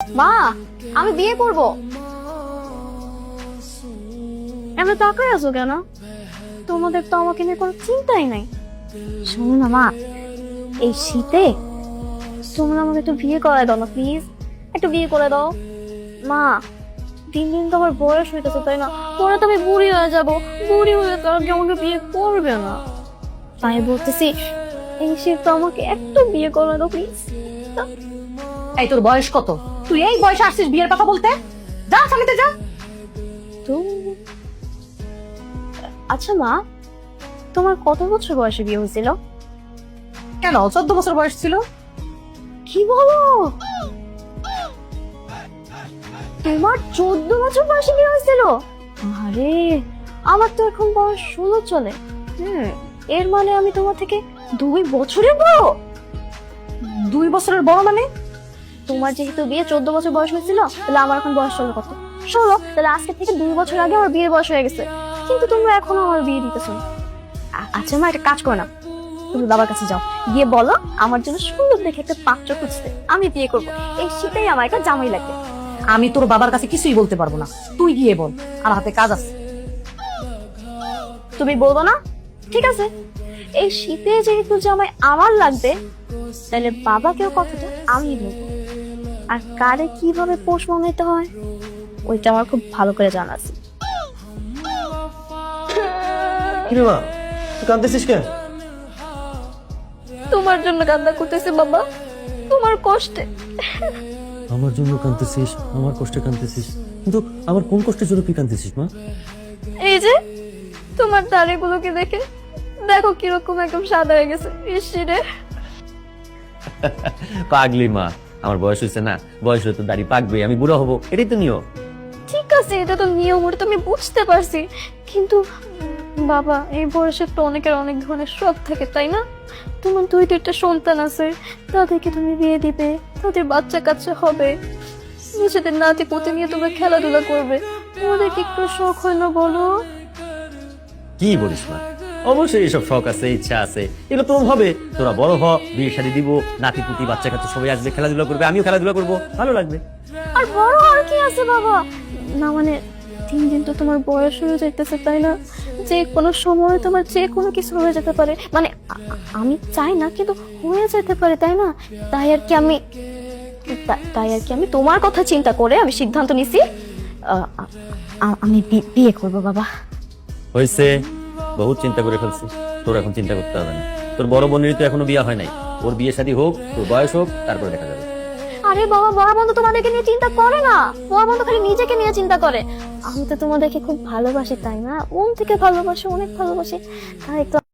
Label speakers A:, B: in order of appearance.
A: মা, আমি বিয়ে করব। এমন তাকায় আছো কেন? তোমাদের তো আমাকে নিয়ে কোনো চিন্তাই নাই। শোনো না মা, এই শীতে তোমরা আমাকে একটু বিয়ে করায় দাও না প্লিজ, একটু বিয়ে করে দাও। মা, দিন দিন তো আমার বয়স হইতেছে তাই না, পরে তো আমি বুড়ি হয়ে যাব, বুড়ি হয়ে তো আর কেউ আমাকে বিয়ে করবে না। তাই বলতেছি এই শীত তো আমাকে একটু বিয়ে করে দাও প্লিজ।
B: এই তোর বয়স কত? তুই এই বয়সে আসছিস বিয়ের কথা বলতে? যা সামনে যা।
A: তো আচ্ছা মা, তোমার কত বছর বয়সে বিয়ে হয়েছিল?
B: কেন, 14 বছর বয়স ছিল।
A: কি বলো? তোমার 14 বছর বয়সে বিয়ে হয়েছিল? আরে, আমার তো এখন বয়স 16 চলে। এর মানে আমি তোমার থেকে 2 বছরের বড়।
B: 2 বছরের বড় মানে?
A: তোমার যেহেতু বিয়ে 14 বছর বয়স হয়েছিল, তাহলে আমার এখন বয়স চলে কত? 16। তাহলে আজকে থেকে 2 বছর আগে আমার বিয়ের বয়স হয়ে গেছে, কিন্তু তোমরা এখনো আমার বিয়ে দিতেছো না। আচ্ছা মা, একটা কাজ করো না, তুমি বাবার কাছে যাও, গিয়ে বলো আমার জন্য সুন্দর দেখে একটা পাত্র খুঁজতে, আমি বিয়ে করবো। এই শীতেই আমার একটা জামাই লাগবে।
B: আমি তোর বাবার কাছে কিছুই বলতে পারবো না, তুই গিয়ে বল, আমার হাতে কাজ আছে।
A: তুমি বলবো না? ঠিক আছে, এই শীতে যেহেতু জামাই আমার লাগবে, তাহলে বাবাকেও কথাটা আমি বলবো। আর কারে কিভাবে পোষ মানাইতে হয় ওইটা আমার খুব ভালো করে জানা আছে।
C: কিরে মা, তুই কাঁদতেছিস কেন?
A: তোমার জন্য কান্না করতেছে বাবা, তোমার কষ্টে।
C: আমার জন্য কাঁদতেছিস, আমার কষ্টে কাঁদতেছিস, কিন্তু আমার কোন কষ্টের জন্য তুই কাঁদতেছিস মা?
A: এই যে তোমার দাড়িগুলোকে দেখে দেখো কিরকম একদম সাদা হয়ে গেছে। ইসরে
C: পাগলি মা, আমার বয়স হয়েছে না, বয়স হলে তো দাড়ি পাকবে, আমি বুড়ো হবো, এটাই তো নিয়ম।
A: ঠিক আছে, এটা তো নিয়ম, ওটা তো আমি বুঝতে পারছি, কিন্তু বাবা এই বয়সে তো অনেকের অনেক ধরনের শখ থাকে তাই না? তোমার 2-3টা সন্তান আছে, তাদেরকে তুমি বিয়ে দিবে, তাদের বাচ্চা কাচ্চা হবে, নিজেদের নাতি পুতি নিয়ে তোমরা খেলাধুলা করবে, ওদের কি একটু শখ হয় না বলো?
C: কি বলিস মা, অবশ্যই এসব শখ আছে, ইচ্ছা আছে, এগুলো তো হবে। তোরা বড় হ, বিয়ে শাদী দিব, নাতি পুতি বাচ্চা কাচ্চা সবাই আসবে, খেলাধুলা করবে, আমিও খেলাধুলা করবো, ভালো লাগবে।
A: আর বড় আর কি আছে বাবা, না মানে দিন দিন তো তোমার বয়স হয়ে যাইতেছে তাই না, যে কোনো সময় তোমার যে কোনো কিছু হয়ে যেতে পারে, মানে আমি চাই না কিন্তু হয়ে যেতে পারে তাই না? তাই আর কি আমি তোমার কথা চিন্তা করে আমি সিদ্ধান্ত নিছি, আমি বিয়ে করব বাবা।
C: হয়েছে, বহুত চিন্তা করে ফেলছিস, তোর এখন চিন্তা করতে হবে না। তোর বড় বোনেরই তো এখনো বিয়ে হয় নাই, ওর বিয়ে শাদী হোক, তোর বয়স হোক, তারপরে দেখা যাবে।
A: আরে বাবা, বড় বন্ধু তোমাদেরকে নিয়ে চিন্তা করে না, বড় বন্ধু খালি নিজেকে নিয়ে চিন্তা করে। আমি তো তোমাদেরকে খুব ভালোবাসি তাই না, মন থেকে ভালোবাসি, অনেক ভালোবাসি, তাই তো